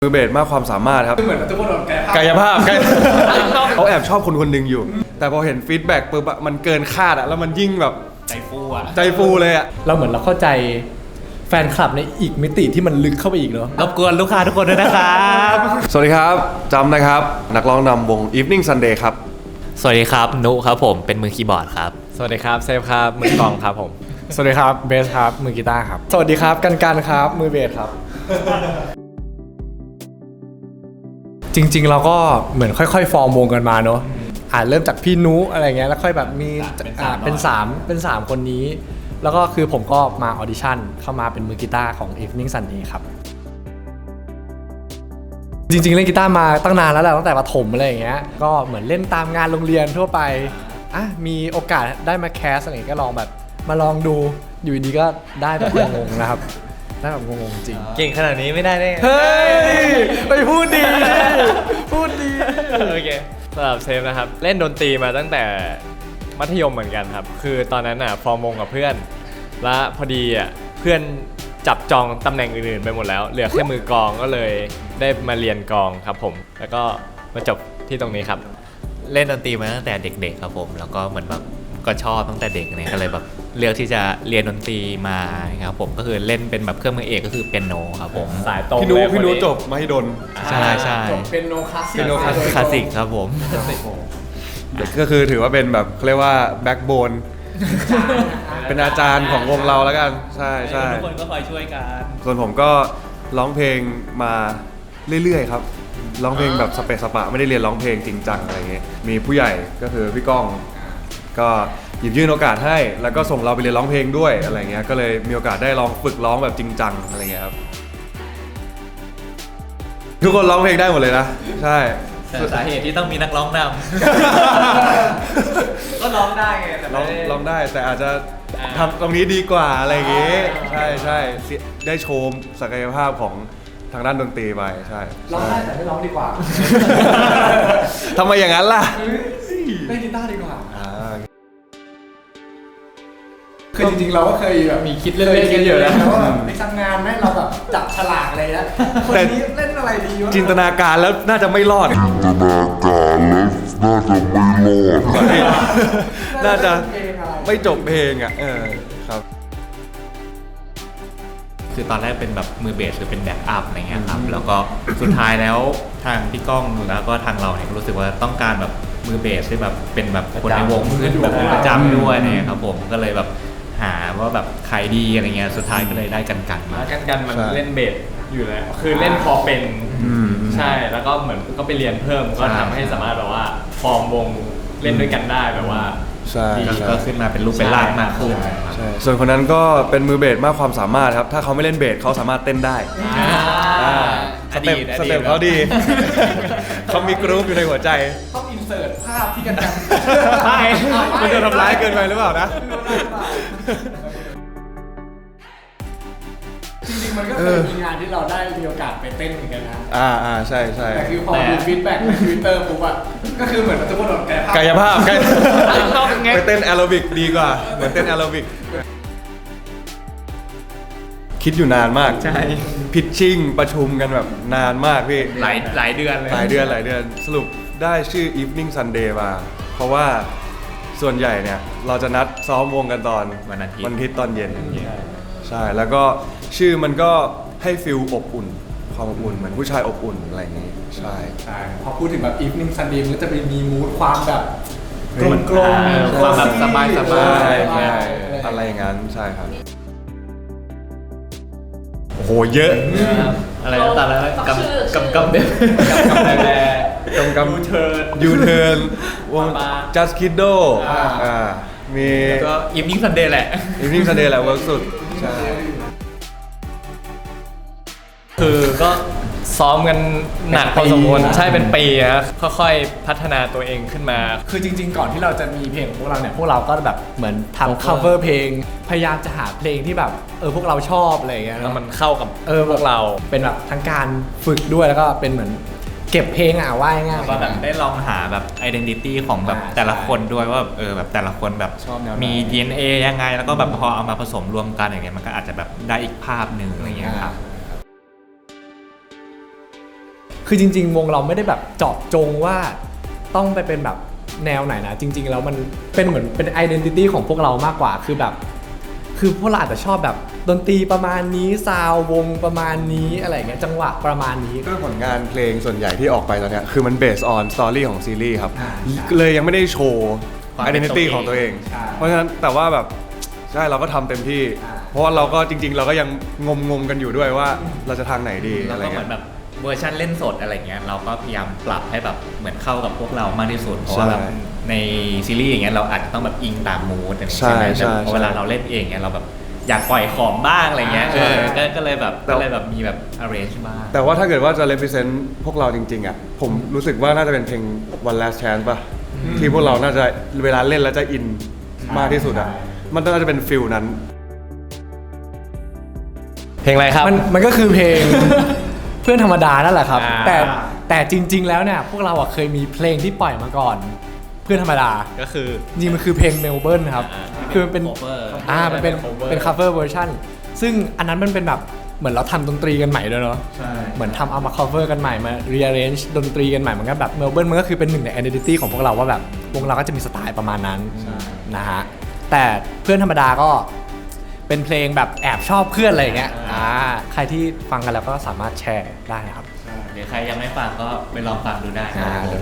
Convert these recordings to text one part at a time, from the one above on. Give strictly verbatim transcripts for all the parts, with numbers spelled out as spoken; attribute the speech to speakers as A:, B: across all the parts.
A: มือเบสมากความสามารถครับ
B: เหมือนทุกคนโดน
A: กายภาพเขาแอบชอบคนคนหนึ่งอยู่แต่พอเห็นฟีดแบ็กปุ๊บมันเกินคาดอะแล้วมันยิ่งแบบ
C: ใจฟูอะ
A: ใจฟูเลยอะ
B: เราเหมือนเราเข้าใจแฟนคลับในอีกมิติที่มันลึกเข้าไปอีกเนาะ
C: รบกวนลูกค้าทุกคนด้วยนะครับ
A: สวัสดีครับจำนะครับนักร้องนำวง Evening Sunday ครับ
C: สวัสดีครับนุครับผมเป็นมือคีย์บอร์ดครับ
B: สวัสดีครับเซฟครับมือกลองครับผมสวัสดีครับเบสครับมือกีตาร์ครับสวัสดีครับกันกันครับมือเบสครับจริงๆเราก็เหมือนค่อยๆฟอร์มวงกันมาเนาะอ่าเริ่มจากพี่นุอะไรเงี้ยแล้วค่อยแบบมีอ่าเป็นสามเป็นสามคนนี้แล้วก็คือผมก็มาออดิชั่นเข้ามาเป็นมือกีตาร์ของ Evening Sunday ครับจริงๆเล่นกีตาร์มาตั้งนานแล้วแหละตั้งแต่ประถมอะไรอย่างเงี้ยก็เหมือนเล่นตามงานโรงเรียนทั่วไปอ่ะมีโอกาสได้มาแคสอะไรก็ลองแบบมาลองดูอยู่ดีก็ได้แบบงงๆนะครับได้แบบงงๆจริง
C: เก่งขนาดนี้ไม่ได้ได้
B: เฮ้ยไปพูดดีพูดดี
D: โอเคสำหรับเซฟนะครับเล่นดนตรีมาตั้งแต่มัธยมเหมือนกันครับคือตอนนั้นอ่ะฟอร์มวงกับเพื่อนและพอดีอ่ะเพื่อนจับจองตำแหน่งอื่นๆไปหมดแล้วเหลือแค่มือกลองก็เลยได้มาเรียนกลองครับผมแล้วก็มาจบที่ตรงนี้ครับ
C: เล่นดนตรีมาตั้งแต่เด็กๆครับผมแล้วก็เหมือนแบบก็ชอบตั้งแต่เด็กเนี่ยก็เลยแบบเลือกที่จะเรียนดนตรีมาครับผมก็คือเล่นเป็นแบบเครื่องมือเอกก็คือเปียโนครับผม
D: สายตรง
A: พี่นุพี่นุจบมหิดล
C: ใช่ใช่
B: เปียโนคลาสสิก
A: เปียโนคลา
C: สสิกครับผม
A: ก็คือถือว่าเป็นแบบเขาเรียกว่าแบ็กโบนเป็นอาจารย์ของวงเราแล้วกันใช่ใช่
C: ทุกคนก็คอยช่วยกัน
A: ส่วนผมก็ร้องเพลงมาเรื่อยๆครับร้องเพลงแบบสเปซสปะไม่ได้เรียนร้องเพลงจริงจังอะไรเงี้ยมีผู้ใหญ่ก็คือพี่ก้องก็หยิบยื่นโอกาสให้แล้วก็ส่งเราไปเรียนร้องเพลงด้วยอะไรเงี้ยก็เลยมีโอกาสได้ลองฝึกร้องแบบจริงจังอะไรเงี้ยครับทุกคนร้องเพลงได้หมดเลยนะใช่
C: แต่สาเหตุที่ต้องมีนักร้องนำก็ร้องได้ไงแต่
A: ร้องร้องได้แต่อาจจะทำตรงนี้ดีกว่าอะไรอย่างงี้ใช่ใช่ได้โชว์ศักยภาพของทางด้านดนตรีไปใช่
B: ร้องได้แต่ไม่ร้องดีกว่า
A: ทำไมอย่างนั้นล่ะ
B: เล่นกีตาร์ดีกว่าคือจริงๆเราก็เคยแบบมีคิดเล่นๆกันอยู่แล้วว่าไปทำงานไหมเราแบบจับฉลากอะไรนะคนนี้เล่นอะไรดีวะ
A: จินตนาการแล้วน่าจะไม่รอดจินตนาการแล้วน่าจะไม่รอดน่าจะไม่จบเพลงอ่ะเออครับ
C: คือตอนแรกเป็นแบบมือเบสหรือเป็นแบ็กอัพอะไรเงี้ยครับแล้วก็สุดท้ายแล้วทางพี่ก้องแล้วก็ทางเราเนี่ยก็รู้สึกว่าต้องการแบบมือเบสที่แบบเป็นแบบคนในวงขึ้นแบบประจำด้วยเนี่ยครับผมก็เลยแบบหาว่าแบบใครดีอะไรเงี้ยสุดท้ายก็เลยได้กันกันมา
D: กันกันมันเล่นเบสอยู่แล้วคือเล่นพอเป็นใช่แล้วก็เหมือนก็ไปเรียนเพิ่มก็ทำให้สามารถแบบว่าฟอร์มวงเล่นด้วยกันได้แบบว่า
A: ใช่
C: ก็ขึ้นมาเป็นรูปเป็นร่างมากขึ้น
A: ใช่ส่วนคนนั้นก็เป็นมือเบสมากความสามารถครับถ้าเขาไม่เล่นเบสเขาสามารถเต้นได้สเต็ปสเต็ปเขาดีเขามีกรุ๊ปอยู่ในหัวใจ
B: ต้องอินเสิร์ตภาพที่กันกัน
A: ใช่มันจะทำร้ายเกินไปหรือเปล่านะ
B: จริงๆมันก็เคยมีงานที่เราได้มีโอกาสไปเต้นเหมือนกันนะ
A: อ่าอ่าใช่ใช่
B: แต่คือพอดูฟีดแบ็กในทวิตเตอร์ปุ๊บอะก็คือเหมือนทุกคนโดน
A: กายภาพไปเต้นแอโรบิกดีกว่าเหมือนเต้นแอโรบิกคิดอยู่นานมาก
C: ใช่
A: พิชชิ่งประชุมกันแบบนานมากพี่
C: หลายหลายเดือนเลย
A: หลายเดือนหลายเดือนสรุปได้ชื่อ Evening Sunday มาเพราะว่าส่วนใหญ่เนี่ยเราจะนัดซ้อมวงกันตอน
C: วันอาทิตย์
A: วันอาทิตย์ตอนเย็นใช่แล้วก็ชื่อมันก็ให้ฟิลอบอุ่นความอบอุ่นเหมือนผู้ชายอบอุ่นอะไรอย่างงี้ใช่
B: ใช่พอพูดถึงแบบ Evening Sunday มันก็จะมีมูดความแบบกลมกลม
C: ความแบบสบายสบาย
A: อะไรอย่างนั้นใช่ครับโอ้โหเยอะ
C: อะไรตอนนั้นกำกำกำเด็ด
D: กำแล
A: กำกำ
D: ยูเทิร์น
A: ยูเทิร์นวง Just Kiddo อ่ามี
C: ก็ Evening Sunday แหละ
A: Evening Sunday แหละเวิร์กสุดใช่
D: คือก็ซ้อมกันหนักพอสมควรใช่เป็นปีนะค่อยๆพัฒนาตัวเองขึ้นมา
B: คือจริงๆก่อนที่เราจะมีเพลงของพวกเราเนี่ยพวกเราก็แบบเหมือนทำ cover เพลงพยายามจะหาเพลงที่แบบเออพวกเราชอบอะไรอย่างเงี้ย
D: แล้วมันเข้ากับ
B: เออพวกเราเป็นแบบทั้งการฝึกด้วยแล้วก็เป็นเหมือนเก็บเพลงอ่ะว่าง่าย
C: ๆก็แบบได้ลองหาแบบ identity ของแบบแต่ละคนด้วยว่าเออแบบแต่ละคนแบบมี ดี เอ็น เอ ยังไงแล้วก็แบบพอเอามาผสมรวมกันอย่างเงี้ยมันก็อาจจะแบบได้อีกภาพหนึ่งอะไรอย่างเงี้ยครับ
B: คือจริงๆ วงเราไม่ได้แบบเจาะจงว่าต้องไปเป็นแบบแนวไหนนะจริง ๆ แล้วมันเป็นเหมือนเป็น identity ของพวกเรามากกว่าคือแบบคือพวกเราอาจจะชอบแบบดนตรีประมาณนี้ซาวด์วงประมาณนี้อะไรอย่างเงี้ยจังหวะประมาณนี้
A: ก็ผลงานเพลงส่วนใหญ่ที่ออกไปตอนเนี้ยคือมัน based on story ของซีรีส์ครับ
B: อ่า
A: เลยยังไม่ได้โชว์
C: ความเป็น
A: identity
C: ตัวเอง
A: ของตัวเอง
B: ใช่
A: เพราะฉะนั้นแต่ว่าแบบใช่เราก็ทำเต็มที่
B: อ่า
A: เพราะว่าเราก็จริง ๆ เราก็ยังงมงมๆกันอยู่ด้วยว่าเราจะทางไหนดี
C: แล้ว
A: อะไร
C: ก็เหมื
A: เงี้
C: อย นแบบเวอร์ชันเล่นสดอะไรเงี้ยเราก็พยายามปรับให้แบบเหมือนเข้ากับพวกเรามากที่สุดเพราะว่าแบบ
A: ใช่
C: ในซีรีส์อย่างเงี้ยเราอาจจะต้องแบบอิงตามมูดอะไรอย่าง
A: ใช่
C: เงี้ยใช่ไหม
A: ใช่
C: แต่พอเวลาเราเล่นเองเงี้ยเราแบบอยากปล่อยของบ้างอะไรเงี้ย
A: ใช่
C: เออก็ก็เลยแบบ
A: แต่
C: ก็เลยแบบมีแบบ arrange บ้าง
A: แต่ว่าถ้าเกิดว่าจะ represent พวกเราจริงๆอ่ะผมรู้สึกว่าน่าจะเป็นเพลง One Last Chance ป่ะที่พวกเราน่าจะเวลาเล่นแล้วจะอินมากที่สุดอ่ะมันน่าจะเป็นฟิลนั้น
D: เพลงอะไรครับ
B: มันมันก็คือเพลง เพื่อนธรรมดานั่นแหละครับ
D: อ่า
B: แต่แต่จริง ๆ แล้วเนี่ยพวกเราอะเคยมีเพลงที่ปล่อยมาก่อน เพื่อนธรรมดา
D: ก็คือ
B: จริงๆมันคือเพลงเมลเบิร์นครับ
D: อ่า
B: คือมันเป็น
C: cover
B: อ่ามันเป็น
D: cover
B: เป็น cover version ซึ่งอันนั้นมันเป็นแบบเหมือนเราทำดนตรีกันใหม่ด้วยเนาะ
A: ใช่
B: เหมือนทำเอามา cover กันใหม่มา rearrange ดนตรีกันใหม่มันก็แบบเมลเบิร์นมันก็คือเป็นหนึ่งใน identity ของพวกเราว่าแบบวงเราก็จะมีสไตล์ประมาณนั้นนะฮะแต่เพื่อนธรรมดาก็เป็นเพลงแบบแอบชอบเพื่อนอะไรอย่างเงี้ยอ่าใครที่ฟังกันแล้วก็สามารถแชร์ได้นะครับ
C: เดี๋ยวใครยังไม่ฟังก็ไปลองฟังดูได้
B: อ่า
C: ครับผม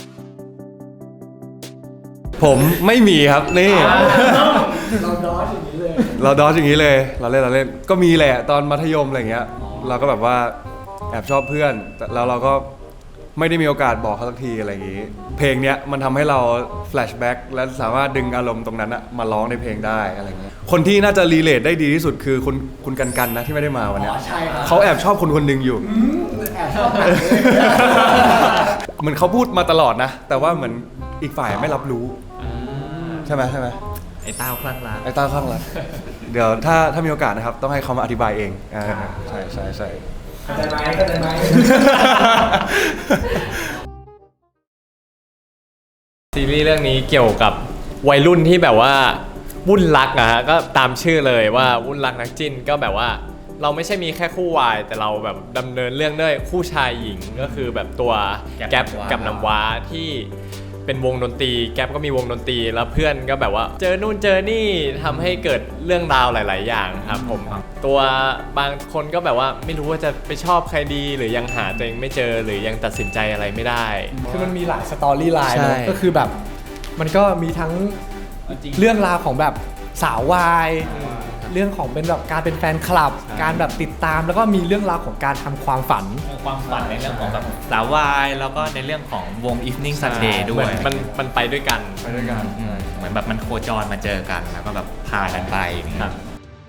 A: ผมไม่มีครับนี่
B: เราดอชอย่างนี้เลย
A: เราดอชอย่างนี้เลยเราเล่นเราเล่นก็มีแหละตอนมัธยมอะไรเงี้ยเราก็แบบว่าแอบชอบเพื่อนแต่แล้วเราก็ไม่ได้มีโอกาสบอกเขาสักทีอะไรอย่างงี้ เพลงเนี้ยมันทำให้เราแฟลชแบ็กและสามารถดึงอารมณ์ตรงนั้นอะมาร้องในเพลงได้อะไรเงี้ยคนที่น่าจะรีเลทได้ดีที่สุดคือคุณคุณกันกันนะที่ไม่ได้มาวันเนี้ย
B: ใช่ครับ
A: เขาแอบชอบคนคนหนึ่งอยู่
B: แอบชอบหนักเลย
A: เหมือนเขาพูดมาตลอดนะ แต่ว่าเหมือนอีกฝ่ายไม่รับรู้ใช่ไหมใช่ไหม
C: ไอ้เต้าคลั่งรัก
A: ไอ้ต้าข้างหลังเดี๋ยวถ้าถ้ามีโอกาสนะครับ ต้องให้เขามาอธิบายเองอ่าใช่ใช่ใช่
B: เข้าใจไหมเข้าใจไหม
D: ซีรีส์เรื่องนี้เกี่ยวกับวัยรุ่นที่แบบว่าวุ่นรักอะฮะก็ตามชื่อเลยว่าวุ่นรักนักจิ้นก็แบบว่าเราไม่ใช่มีแค่คู่วายแต่เราแบบดำเนินเรื่องด้วยคู่ชายหญิงก็คือแบบตัวแก๊ปกับน้ำว้าที่เป็นวงดนตรีแก๊ปก็มีวงดนตรีแล้วเพื่อนก็แบบว่าเจอนู่นเจอนี่ทำให้เกิดเรื่องราวหลาย ๆ อย่างครับผมตัวบางคนก็แบบว่าไม่รู้ว่าจะไปชอบใครดีหรือยังหาตัวเองไม่เจอหรือยังตัดสินใจอะไรไม่ได้
B: คือมันมีหลายสตอรี่ไลน์เนอะ
D: ใช่
B: ก็คือแบบมันก็มีทั้งเรื่องราวของแบบสาววายเรื่องของเป็นแบบการเป็นแฟนคลับ การแบบติดตามแล้วก็มีเรื่องราวของการทำความฝัน
C: ความฝันในเรื่องของแบบสาววายแล้วก็ในเรื่องของวง Evening Sunday ด้
D: เห
C: ว
D: มื
C: ย
D: อนมันมันไปด้วยกัน
A: ไปด้วยกัน
C: อืมเหมือนแบบมันโคจรมาเจอกันแล้วก็แบบพากันไปอย่างเงี้ย
D: ครับ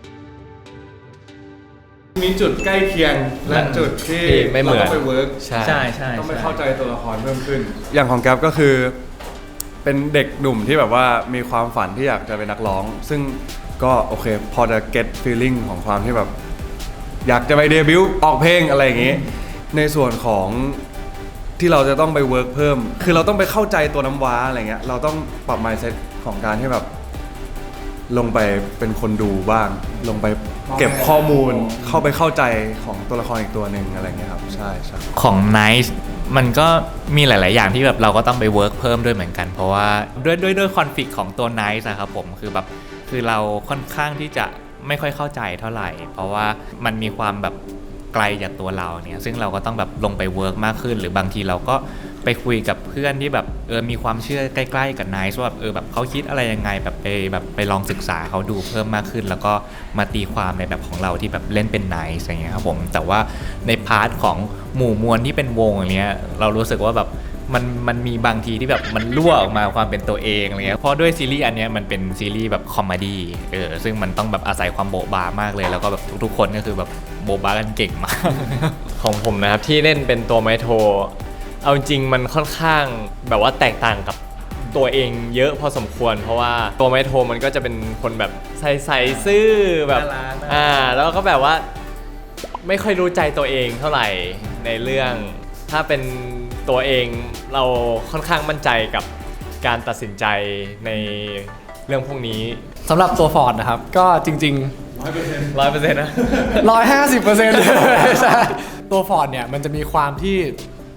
A: มีจุดใกล้เคียงและจุดที่
D: ที่ไม่เหมือน
A: ราต้องไปเวิร์ก
D: ใช่
C: ใช่ใช่
A: ต้องไปเข้าใจตัวละครเพิ่มขึ้น อย่างของแก๊ปก็คือเป็นเด็กหนุ่มที่แบบว่ามีความฝันที่อยากจะเป็นนักร้อง ซึ่งก็โอเคพอจะ get feeling ของความที่แบบ อยากจะไปเดบิวต์ออกเพลงอะไรอย่างงี้ ในส่วนของที่เราจะต้องไปเวิร์กเพิ่ม คือเราต้องไปเข้าใจตัวน้ำว้าอะไรเงี้ยเราต้องปรับ mindset ของการที่แบบ ลงไปเป็นคนดูบ้าง ลงไปเก็บข้อมูลเข้าไปเข้าใจของตัวละครอีกตัวหนึ่งอะไรเงี้ยครับใช่ใช่
C: ของ Nice มันก็มีหลาย ๆ อย่างที่แบบเราก็ต้องไปเวิร์กเพิ่มด้วยเหมือนกัน เพราะว่าด้วยด้วยด้วยคอนฟ lict ของตัว Nice อะครับผมคือแบบคือเราค่อนข้างที่จะไม่ค่อยเข้าใจเท่าไหร่ เพราะว่ามันมีความแบบไกลจากตัวเราเนี่ยซึ่งเราก็ต้องแบบลงไปเวิร์กมากขึ้น หรือบางทีเราก็ไปคุยกับเพื่อนที่แบบเออมีความเชื่อใกล้ ๆ กับ Nice ว่าแบบเออแบบเขาคิดอะไรยังไงแบบไปแบบไปลองศึกษาเขาดูเพิ่มมากขึ้น แล้วก็มาตีความในแบบของเราที่แบบเล่นเป็น Nice อย่างเงี้ยครับผมแต่ว่าในพาร์ทของหมู่มวลที่เป็นวงอย่างเงี้ยเรารู้สึกว่าแบบมันมันมีบางทีที่แบบมันรั่วออกมาความเป็นตัวเองอะไรเงี้ยเพราะด้วยซีรีส์อันเนี้ยมันเป็นซีรีส์แบบคอมเมดี้เออซึ่งมันต้องแบบอาศัยความโบ๊ะบามากเลยแล้วก็แบบทุกๆคนก็คือแบบโบ๊ะบากันเก่งมาก
D: ของผมนะครับที่เล่นเป็นตัวไมโทรเอาจริงมันค่อนข้างแบบว่าแตกต่างกับตัวเองเยอะพอสมควร เพราะว่าตัวไมโทรมันก็จะเป็นคนแบบใส่ใส่ซื่อแบบ
C: น่ารักน่ารัก
D: อ่าแล้วก็แบบว่าไม่ค่อยรู้ใจตัวเองเท่าไหร่ในเรื่องถ้าเป็นตัวเองเราค่อนข้างมั่นใจกับการตัดสินใจในเรื่องพวกนี้
B: สำหรับตัวฟอร์ดนะครับ ก็จริง
D: ร้อยเปอร์เซ็นต์นะ
B: ๆ ร้อยห้าสิบเปอร์เซ็นต์ ใช่ตัวฟอร์ดเนี่ยมันจะมีความที่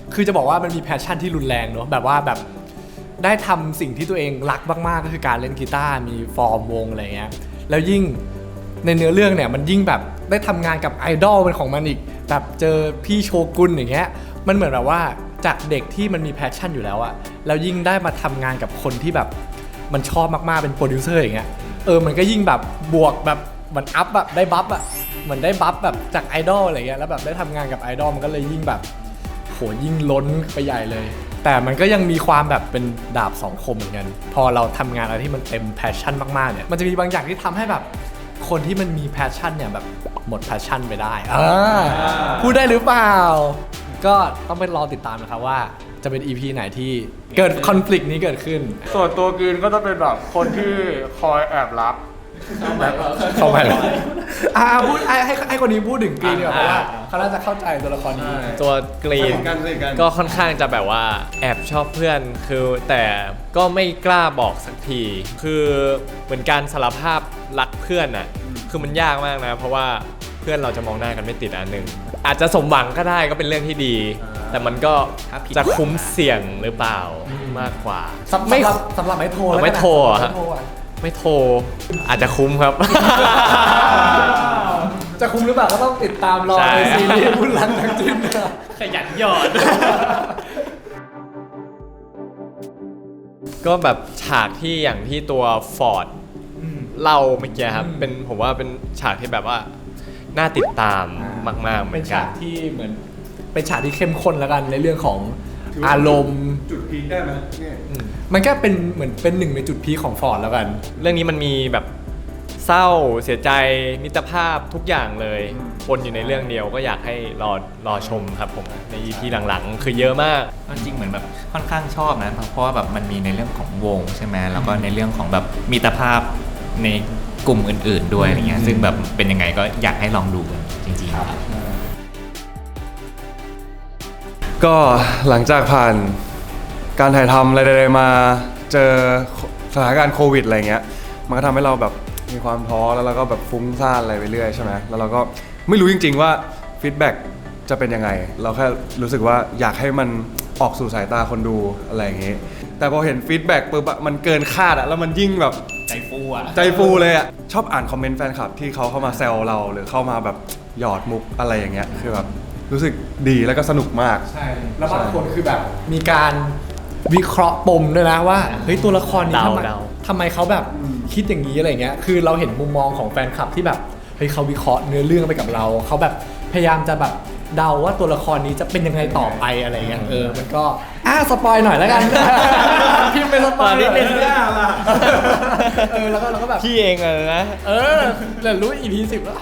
B: คือจะบอกว่ามันมีแพชชั่นที่รุนแรงเนอะแบบว่าแบบได้ทำสิ่งที่ตัวเองรักมากๆก็คือการเล่นกีตาร์มีฟอร์มวงอะไรเงี้ยแล้วยิ่งในเนื้อเรื่องเนี่ยมันยิ่งแบบได้ทำงานกับไอดอลเป็นของมันอีกแบบเจอพี่โชกุนอย่างเงี้ยมันเหมือนแบบว่าจากเด็กที่มันมีแพชชั่นอยู่แล้วอะแล้วยิ่งได้มาทำงานกับคนที่แบบมันชอบมากๆเป็นโปรดิวเซอร์อย่างเงี้ยเออมันก็ยิ่งแบบบวกแบบมันอัพแบบได้บัฟอะเหมือนได้บัฟแบบจากไอดอลอะไรเงี้ยแล้วแบบได้ทำงานกับไอดอลมันก็เลยยิ่งแบบโหยิ่งล้นไปใหญ่เลยแต่มันก็ยังมีความแบบเป็นดาบสองคมเหมือนกันพอเราทำงานอะไรที่มันเต็มแพชชั่นมากๆเนี่ยมันจะมีบางอย่างที่ทำให้แบบคนที่มันมีแพชชั่นเนี่ยแบบหมดแพชชั่นไปได้อ่าพูดได้หรือเปล่าก็ต้องไปรอติดตามนะครับว่าจะเป็น อี พี ไหนที่เกิดคอน ฟลิกต์ นี้เกิดขึ้นส่วนตัวกรีนก็จะเป็นแบบคนที่คอยแอบรับเข้าไปอ่าพูดให้ให้คนนี้พูดถึงกรีนดีกว่าเพราะว่าเขาน่าจะเข้าใจตัวละครนี้
D: ตัวกรีน
A: สนิทกันสนิทกัน
D: ก็ค่อนข้างจะแบบว่าแอบชอบเพื่อนคือแต่ก็ไม่กล้าบอกสักที คือเหมือนการสารภาพรักเพื่อนอ่ะคือมันยากมากนะเพราะว่าเพื่อนเราจะมองหน้ากันไม่ติดอันหนึ่งอาจจะสมหวังก็ได้ก็เป็นเรื่องที่ดี แต่มันก็จะคุ้มเสี่ยงหรือเปล่ามากกว่า
B: สำหรับสำหรับไม่โทรแล้วกันนะ
D: ไม่โทรอะ
B: ไม่โทรอะ
D: ไม่โทรอาจจะคุ้มครับ
B: จะคุ้มหรือเปล่าก็ต้องติดตามรอ
D: ใช่
B: ในซีรีส์บุญรักทางจิ้นนะ
D: ขยันหยอด ก็แบบฉากที่อย่างที่ตัวฟอร์ดเล่าเมื่อกี้ครับเป็นผมว่าเป็นฉากที่แบบว่าน่าติดตามมากๆเหมื
B: เป็
D: อน น
B: ฉา
D: กั
B: ก
D: น
B: ที่เหมือนเป็นฉากที่เข้มข้นแล้วกันในเรื่องของอารมณ์
A: จุดพีคได้ไหมเนี่ย
B: มันก็เป็นเหมือนเป็นหนึ่งในจุดพีคของฟอร์ดแล้วกัน
D: เรื่องนี้มันมีแบบเศร้าเสียใจมิตรภาพทุกอย่างเลยปนอยู่ในเรื่องเดียวก็อยากให้รอรอชมครับผมใน อี พี หลังๆ คือเยอะมาก
C: จริงเหมือนแบบค่อนข้างชอบนะเพราะว่าแบบมันมีในเรื่องของวงใช่ไหมแล้วก็ในเรื่องของแบบมิตรภาพในกลุ่มอื่นๆด้วยอะไรเงี้ยซึ่งแบบเป็นยังไงก็อยากให้ลองดูกันจริงๆครับ
A: ก็หลังจากผ่านการถ่ายทำอะไรใดๆมาเจอสถานการณ์โควิดอะไรเงี้ยมันก็ทำให้เราแบบมีความท้อแล้วเราก็แบบฟุ้งซ่านอะไรไปเรื่อยใช่ไหมแล้วเราก็ไม่รู้จริงๆว่าฟีดแบ็กจะเป็นยังไงเราแค่รู้สึกว่าอยากให้มันออกสู่สายตาคนดูอะไรอย่างงี้แต่พอเห็นฟีดแบ็กปุ๊บอะมันเกินคาดอะแล้วมันยิ่งแบบ
C: ใจฟูอ่ะ
A: ใจฟูเลยอะชอบอ่านคอมเมนต์แฟนคลับที่เขาเข้ามาแซวเราหรือเข้ามาแบบหยอดมุกอะไรอย่างเงี้ยคือแบบรู้สึกดีแล้วก็สนุกมาก
B: ใช่ แล้วบางคนคือแบบมีการวิเคราะห์ปมด้วยนะว่าเฮ้ยตัวละครนี้ทำไม
D: เดา
B: ทำไมเขาแบบคิดอย่างนี้อะไรเงี้ยคือเราเห็นมุมมองของแฟนคลับที่แบบเฮ้ยเขาวิเคราะห์เนื้อเรื่องไปกับเราเขาแบบพยายามจะแบบเดาว่าตัวละครนี้จะเป็นยังไงต่อไปอะไรเงี้ยเออมันก็อ่ะสปอยหน่อยแล้วกัน พิมพ์เป็นสปอยนิดนึงเออแล้วก็เราก็แบบ
D: พี่เองเลยนะ
B: เออเดี๋ยวรู้ อี พี สิบแล้ว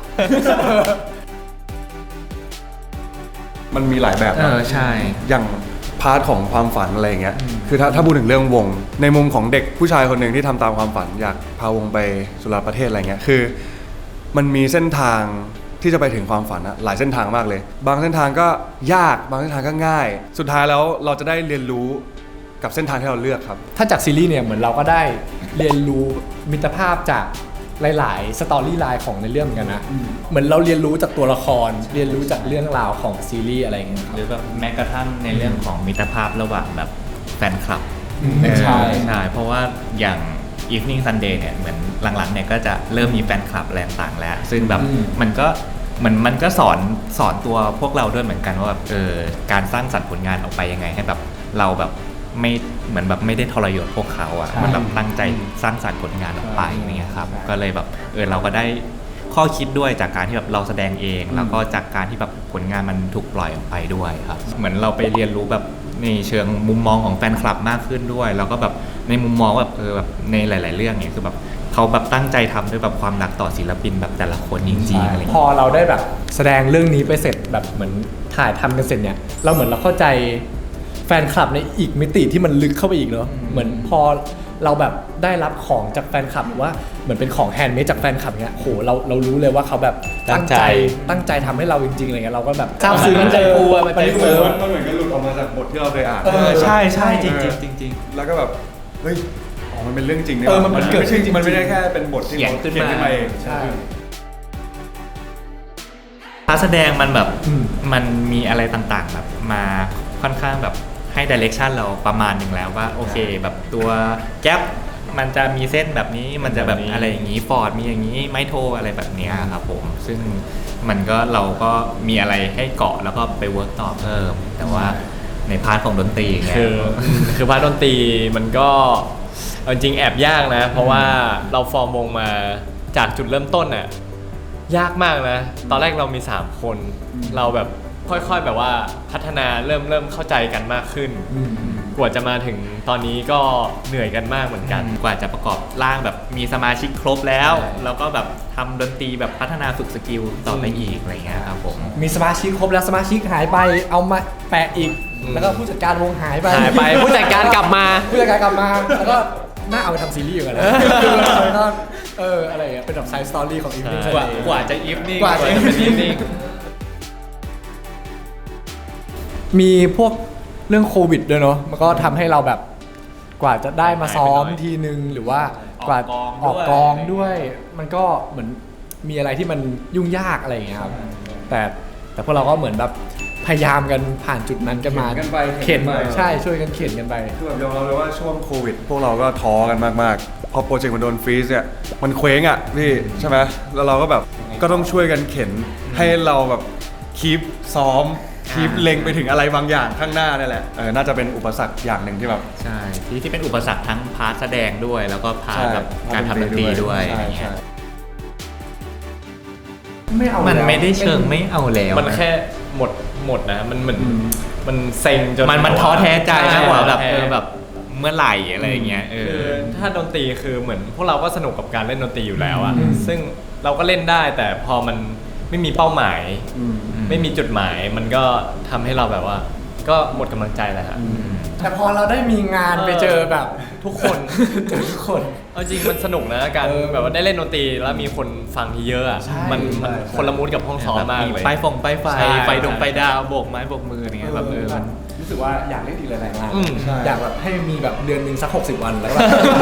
A: มันมีหลายแบบ
C: เอ
A: นะ
C: อใช่
A: อย่างพาร์ทของความฝันอะไรอย่างเงี้ย คือถ้าถ้าพูดถึงเรื่องวง ในมุมของเด็กผู้ชายคนหนึ่งที่ทำตามความฝันอยากพาวงไปสุราประเทศอะไรเงี้ย คือมันมีเส้นทางที่จะไปถึงความฝันอะหลายเส้นทางมากเลย บางเส้นทางก็ยาก บางเส้นทางก็ง่าย สุดท้ายแล้วเราจะได้เรียนรู้กับเส้นทางที่เราเลือกครับ
B: ถ้าจากซีรีส์เนี่ยเหมือนเราก็ได้เรียนรู้มิตรภาพจากหลายๆสตอรี่ไลน์ของในเรื่องเหมือนกันนะเหมือนเราเรียนรู้จากตัวละคร เรียนรู้จากเรื่องราวของซีรีส์อะไรอย่างเงี้ยครับ
C: หรือแบบแม้กระทั่งในเรื่องของมิตรภาพระหว่างแบบแฟนคลับ
B: อืม
C: เออ
B: ใช่
C: ใช่เพราะว่าอย่าง Evening Sunday เนี่ยเหมือนหลังๆเนี่ยก็จะเริ่มมีแฟนคลับอะไรต่างๆแล้ว ซึ่งแบบมันก็เหมือนมันก็สอนสอนตัวพวกเราด้วยเหมือนกันว่าแบบเออการสร้างสรรค์ผลงานออกไปยังไงให้แบบเราแบบไม่เหมือนแบบไม่ได้ทรยศพวกเขาอ่ะมันแบบตั้งใจสร้างสรรค์ผลงานออกไปอย่างเงี้ยครับก็เลยแบบเออเราก็ได้ข้อคิดด้วยจากการที่แบบเราแสดงเอง แล้วก็จากการที่แบบผลงานมันถูกปล่อยออกไปด้วยครับเหมือนเราไปเรียนรู้แบบในเชิงมุมมองของแฟนคลับมากขึ้นด้วย แล้วก็แบบในมุมมองแบบเออแบบในหลาย ๆ เรื่องเนี่ยคือแบบเขาแบบตั้งใจทำด้วยแบบความรักต่อศิลปินแบบแต่ละคนจริงๆอะไรอย่าง
B: พอ
C: เงี้ย
B: เราได้แบบแสดงเรื่องนี้ไปเสร็จแบบเหมือนถ่ายทำกันเสร็จเนี่ยเราเหมือนเราเข้าใจแฟนคลับในอีกมิติที่มันลึกเข้าไปอีกเนอะเหมือนพอเราแบบได้รับของจากแฟนคลับหรือว่าเหมือนเป็นของแฮนด์เมดจากแฟนคลับเนี้ยโหเราเรารู้เลยว่าเขาแบบตั้งใจตั้งใจทำให้เราจริงๆอะไรเงี้ยเราก็แบบซาบซึ้ง
D: มันใจฟูอะมันใจฟู
A: มันเหมือนกันหลุดออกมาจากบทที่เราเคยอ่าน
B: เออ
C: ใช่ใช่จริงๆจริงๆ
A: แล้วก็แบบเฮ้ยอ๋อมันเป็นเรื่องจริงเนี่ย
B: เออมันมันเกิด
A: ไม่ใช่
B: จริงๆ
A: มันไม่ได้แค่เป็นบทที่
C: เขียน
A: เขา
C: ขึ้น
A: เขียน
C: มา
A: ขึ้นมาเอง
B: ใช่
C: การแสดงมันแบบ
B: อืม
C: มันมีอะไรต่างๆแบบมาคค่อนข้างแบบให้ดิเรกชันเราประมาณหนึ่งแล้วว่าโอเคแบบตัวแก๊ปมันจะมีเส้นแบบนี้มันจะแบบอะไรอย่างนี้ฟอร์ดมีอย่างนี้ไมโทอะไรแบบเนี้ยครับผมซึ่งมันก็เราก็มีอะไรให้เกาะแล้วก็ไปเวิร์กต่อเพิ่มแต่ว่าในพาร์ทของดนตรีเงี้ย
D: คือคือพาร์ทดนตรีมันก็เอาจริงแอบยากนะ เพราะว่าเราฟอร์มวงมาจากจุดเริ่มต้นน่ะยากมากนะ ตอนแรกเรามีสามคนเราแบบค่อยๆแบบว่าพัฒนาเริ่มเริ่มเข้าใจกันมากขึ้น กว่าจะมาถึงตอนนี้ก็เหนื่อยกันมากเหมือนกัน
C: กว่าจะประกอบร่างแบบมีสมาชิกครบแล้ว
D: ใช่
C: แล้วก็แบบทำดนตรีแบบพัฒนาฝึกสกิลต่อไปอีกอะไรเงี้ยครับผม
B: มีสมาชิกครบแล้วสมาชิกหายไปเอามาแปะอีก แล้วก็ผู้จัดการวงหายไป
D: หายไปผู้จัดการกลับมา
B: ผู้จัดการกลับมาแล้วก็น่าเอาไปทำซีรีส์อยู่กันแล้วแล้วก็เอออะไรอย่างเงี้ยเป็นแบบไซส์สตอรี่ของอีฟนิ่ง
D: ใช่
C: กว่ากว่าจะอีฟนิ่ง
B: กว่าจะ
D: เป็นอีฟนิ่ง
B: มีพวกเรื่องโควิดด้วยเนาะมันก็ทำให้เราแบบกว่าจะได้มาซ้อมทีนึงหรือว่ากว่าออกกองด้วย มันก็เหมือนมีอะไรที่มันยุ่งยากอะไรอย่างเงี้ยครับแต่แต่พวกเราก็เหมือนแบบพยายามกันผ่านจุดนั้นกันมา
A: เข็นกันไป
B: เข็น
A: เข็นไป
B: ใช่ช่วยกันเข็นกันไป
A: คือแบบยอมรับเลยว่าช่วงโควิด พวกเราก็ท้อกันมากๆ พอโปรเจกต์มันโดนฟรีซเนี่ยมันเคว้งอ่ะพี่ใช่ไหมแล้วเราก็แบบก็ต้องช่วยกันเข็นให้เราแบบคีปซ้อมคีปเล็งไปถึงอะไรบางอย่างข้างหน้านี่แหละเออน่าจะเป็นอุปสรรคอย่างหนึ่งที่แบบ
C: ใช่ที่ที่เป็นอุปสรรคทั้งพาร์ทแสดงด้วย แล้วก็พาร์ท
A: ใช่
C: แบบการทำดนตรีด้วย
A: ใช่
C: อย่างเงี้
A: ใช่
C: ย
B: ไม่เอา
C: มัน
B: แล้ว
C: ไม่ได้เชิงไม่เอาแล้ว
D: มันแค่หมดหมดนะมันมันมันเซ็งจน
C: มันมันท้อแท้ใจมากกว่าแบบ
D: ท้
C: เอ
D: ท้
C: อแบบเมื่อไหร่อะไรอย่างเงี้ยเอ
D: คือ
C: อ
D: ถ้าดนตรีคือเหมือนพวกเราก็สนุกกับการเล่นดนตรีอยู่แล้วอะซึ่งเราก็เล่นได้แต่พอมันไม่มีเป้าหมาย ไม่มีจุดหมายมันก็ทำให้เราแบบว่า ก็หมดกำลังใจแหละครับ
B: แต่พอเราได้มีงาน
D: เออ
B: ไปเจอแบบทุกคน เจอทุกคน
D: เอาจริงมันสนุกนะการ
B: เออ
D: แบบว่าได้เล่นดนตรีแล้วมีคนฟังที่เยอะอะ
B: ใช่
D: มันมัน
B: ใช่
D: คนละมูดกับห้องซ้อมมากเลย
C: ไฟฟงไฟไฟ
D: ใช่
C: ไฟดง
D: ใช่
C: ไฟดาวโบกไม้โบกมืออย่างเงี้ยแบบเออมัน
B: รู้สึกว่าอยากเล่นอีกหลายๆงาน
D: อืม
A: ใช่
B: อยากแบบให้มีแบบเดือนหนึ่งสักหกสิบวันแล้วก็แบบ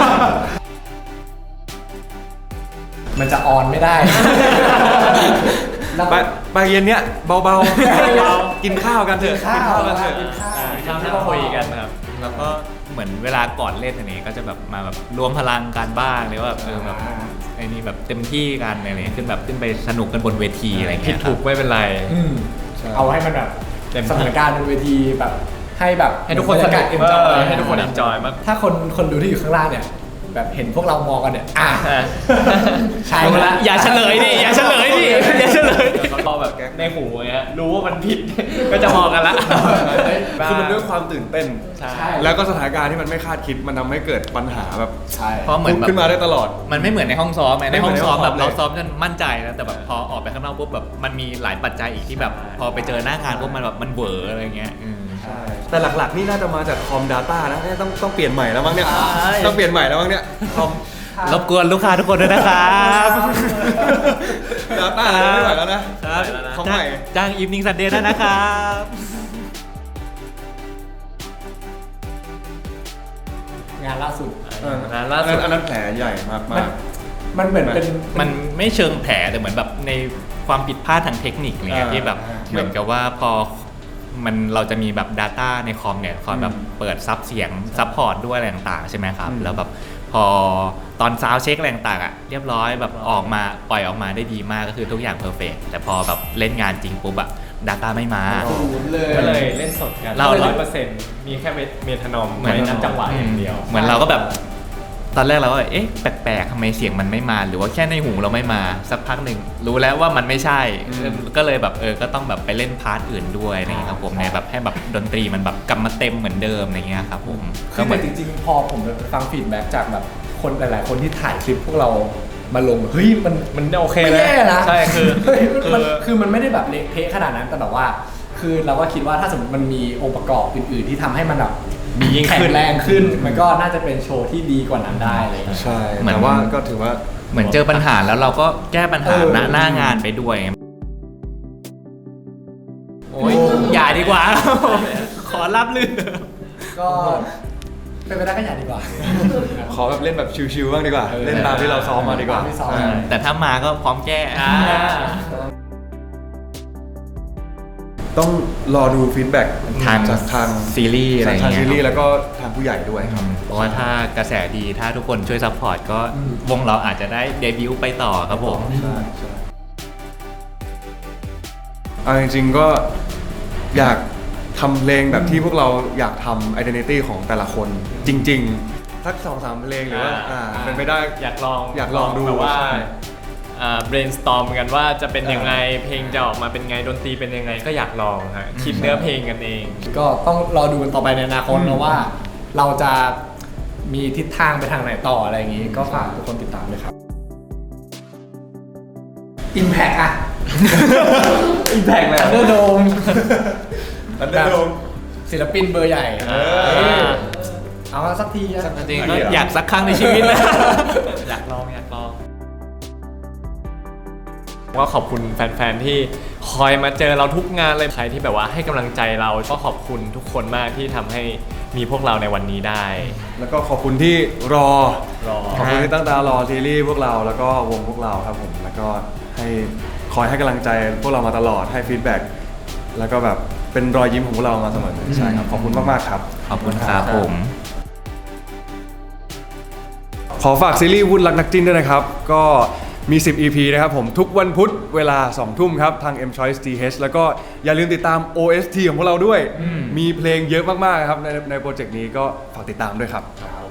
B: มันจะออนไม่ได้แล้ว
A: ไปไปเย็นเนี้ยเบาๆ กินข้าวกันเถอะ
B: กินข้าว
A: กันเถอะ
B: กินข้าว
D: ทำให้เราคุยกันนะครับ
C: แล้วก็เหมือนเวลาก่อนเล่นอันนี้ก็จะแบบมาแบบรวมพลังกันบ้างหรือว่าแบบเออแบบไอ้นี่แบบเต็มที่กันอะไรเงี้ยขึ้นแบบขึ้นไปสนุกกันบนเวทีอะไร
D: ผิ
C: เงี้
D: ด
C: ยค
D: ถู
C: รับ
D: กไม่เป็นไร
B: อืม
A: ใช่
B: เอาให้มันแบบ
D: เต็มที่
B: สถานการณ์บนเวทีแบบให้แบบ
D: ให้ทุกคนส
B: บรร
D: นุ
B: ยาก กาศ
D: เอ
B: เอ็นจอย
D: อให้ทุกคนเอนจอยมาก
B: ถ้าคนคนดูที่อยู่ข้างล่างเนี่ย แบบเห็นพวกเรามองกันเนี่ยอ่ะ
D: อ่ะ
B: ใช่
D: รู้
B: ละ
D: ละอย่าเฉลยดิอย่าเฉลยดิอย่าเฉลยดิเขาก็แบบในหูไงฮะรู้ว่ามันผิด ก็จะมองกันละ
A: คือมันด้วยความตื่นเต้น
D: ใช่
A: แล้วก็สถานการณ์ที่มันไม่คาดคิดมันทำให้เกิดปัญหาแบบ
B: ใช่
C: เพราะเหมือนแบบ
A: ขึ้นมาได้ตลอด
C: มันไม่เหมือนในห้องซ้อมไง
A: ไม่
C: ใน
A: เหมื
C: ห้
A: อ
C: อน ง
A: ใน
C: ซ้อมแบบ
A: ห้องซ้อม
C: เราซ้อมจนมั่นใจนะแต่แบบพอออกไปข้างนอกปุ๊บแบบมันมีหลายปัจจัยอีกที่แบบ พอไปเจอหน้างานปุ๊บมันแบบมันเหวออะไรเงี้ยอืม
B: ใช่
A: แต่หลักๆนี่น่าจะมาจากคอม Data นะเนี่ยต้องต้องเปลี่ยนใหม่แล้วมั้งเนี่ย
C: ใช่
A: ต้องเปลี่ยนใหม่แล้วมั้งเนี่ยคอม
C: รบกวนลูกค้าทุกคนด้วยนะครับ
A: Data ไม่ไหวแล้วนะของใหม่
C: จ้างอีฟนิ่งซันเดย์ได้นะครับ
B: งานล่าสุด
A: เออ
D: ร้านล่าสุด
A: อันนั้นแผลใหญ่มาก
B: มัน
A: มาก
B: มันเหมือนเป็น
C: มันไม่เชิงแผลแต่เหมือนแบบในความผิดพลาดทางเทคนิคอะไรเงี้ย
A: อ่า
C: ที่แบบ
B: อ่า
C: เหมือนกับว่าพอมันเราจะมีแบบ Data ในคอมเนี่ยคอยแบบเปิดซับเสียงซับพอร์ตด้วยอะไรต่างๆใช่ไหมครับ
A: อืม
C: แล้วแบบพอตอนซาวเช็คอะไรต่างๆอ่ะเรียบร้อยแบบออกมาปล่อยออกมาได้ดีมากก็คือทุกอย่างเพอร์เฟกแต่พอแบบเล่นงานจริงปุ๊บอะ Data ไม่มา
B: ศูนย์เลย
D: ก็เลยเล่นสดกัน
C: เรา
D: ร้อยเปอร์เซ็นต์มีแค่เมทานอม
C: เหมือน
D: ไว้นับจังหวะอย่างเดียว
C: เหมือนเราก็แบบตอนแรกเราก็แบบเอ๊ะแปลกๆทำไมเสียงมันไม่มา หรือว่าแค่ในหูเราไม่มาสักพักหนึ่งรู้แล้วว่ามันไม่ใช่
A: อืม
C: ก็เลยแบบเออก็ต้องแบบไปเล่นพาร์ทอื่นด้วยอะไรเงี้ยครับผมในแบบให้แบบดนตรีมันแบบกลับมาเต็มเหมือนเดิมอะไรเงี้ยครับผม
B: คื
C: ก็
B: อ
C: เห
B: เห
C: มื
B: มื
C: อ
B: อน นจริงๆ พอผมไปฟังฟีดแบ็กจากแบบคนหลายๆ คนที่ถ่ายคลิปพวกเรามาลง เฮ้ยมัน
D: มันโอเค
B: ไม่
D: นะ
B: แย่นะ
D: ใช่คือ
B: เฮ้ยมัน
D: คือ
B: คือมันไม่ได้แบบเละเทะขนาดนั้นแต่แบบว่า คือเราก็คิดว่าถ้าสมมติมันมีองค์ประกอบอื่นๆ ที่ทำให้มันแบบ
D: ดียิ่ง
B: แข็
D: ขึ้
B: ง
D: น
B: แรงขึ้น มันก็น่าจะเป็นโชว์ที่ดีกว่านั้นได้อะไรอย่างเลย
A: ใช่
C: เหมือน
A: แต่ว่าก็ถือว่า
C: เหมือนเจอปัญหาแล้วเราก็แก้ปัญหา
B: เออ
C: หน้าหน้างานไปด้วยโอ้ยอย่าดีกว่า ขอรับลือ
B: ก็เป็นไปได้ก็อย่าดีกว่า
A: ขอแบบเล่นแบบชิวๆบ้างดีกว่า เล่นตามที่เราซ้อมมาดีกว่า
B: ตามที่ซ้อม
A: ใช่
C: แต่ถ้ามาก็พร้อมแก้
D: อ่า
A: ต้องรอดูฟีดแบ็ก
C: ทาง
A: จากทาง
C: ซีรีส์อะไรอย่าง
A: ทาง
C: เงี้ย
A: ซีรี
C: ค
A: ส์
C: รับ
A: แล้วก็ทางผู้ใหญ่ด้วยครับ
C: เพราะว่าถ้ากระแสดีถ้าทุกคนช่วยซัพพอร์ตก็วงเราอาจจะได้เดบิวต์ไปต่อครับผม
A: ใช่ใช่เอาจริงๆก็อยากทำเพลงแบบที่พวกเราอยากทำ identity ของแต่ละคนจริงๆสักสองสามเพลงหรือว่า
D: อ่า
A: อ่าเป็นไปได้
D: อยากลอง
A: อยากลองดู
D: แบบว่า
A: ใช่
D: อ่า brainstorm กันว่าจะเป็นยังไง
A: เออ
D: เพลงจะออกมาเป็นไงดนตรีเป็นยังไงก็อยากลองฮะคิดเนื้อเพลงกันเอง
B: ก็ต้องรอดูกันต่อไปในอนาคตนะว่า เราจะมีทิศทางไปทางไหนต่ออะไรอย่างนี้ ก็ฝากทุกคนติดตามด้วยครับ Impact อะ
A: Impact เลย
B: Thunderdome
A: Thunderdome
B: ศิลปินเบอร์ใหญ่
A: เออ
B: เออเอามาสักทีอะ
C: จริงๆก็อยากสักครั้งในชีวิตนะ อยากลองอยากลอง
D: ก็ขอบคุณแฟนๆที่คอยมาเจอเราทุกงานเลยใครที่แบบว่าให้กำลังใจเราก็ขอบคุณทุกคนมากที่ทำให้มีพวกเราในวันนี้ได้
A: แล้วก็ขอบคุณที่รอ
D: รอ
A: ขอบคุณที่ตั้งตารอซีรีส์พวกเราแล้วก็วงพวกเราครับผมแล้วก็ให้คอยให้กำลังใจพวกเรามาตลอดให้ฟีดแบ็กแล้วก็แบบเป็นรอยยิ้มของพวกเรามาเสมอใช่ครับขอบคุณมากๆครับ
C: ขอบคุณครับผม
A: ขอฝากซีรีส์วุ้นรักนักจิ้นด้วยนะครับ ก็มี สิบ อี พี นะครับผมทุกวันพุธเวลา สอง ทุ่มครับ ทาง M Choice ที เอช แล้วก็อย่าลืมติดตาม โอ เอส ที ของพวกเราด้วย มีเพลงเยอะมากๆครับในในโปรเจกต์นี้ก็ฝากติดตามด้วยครับ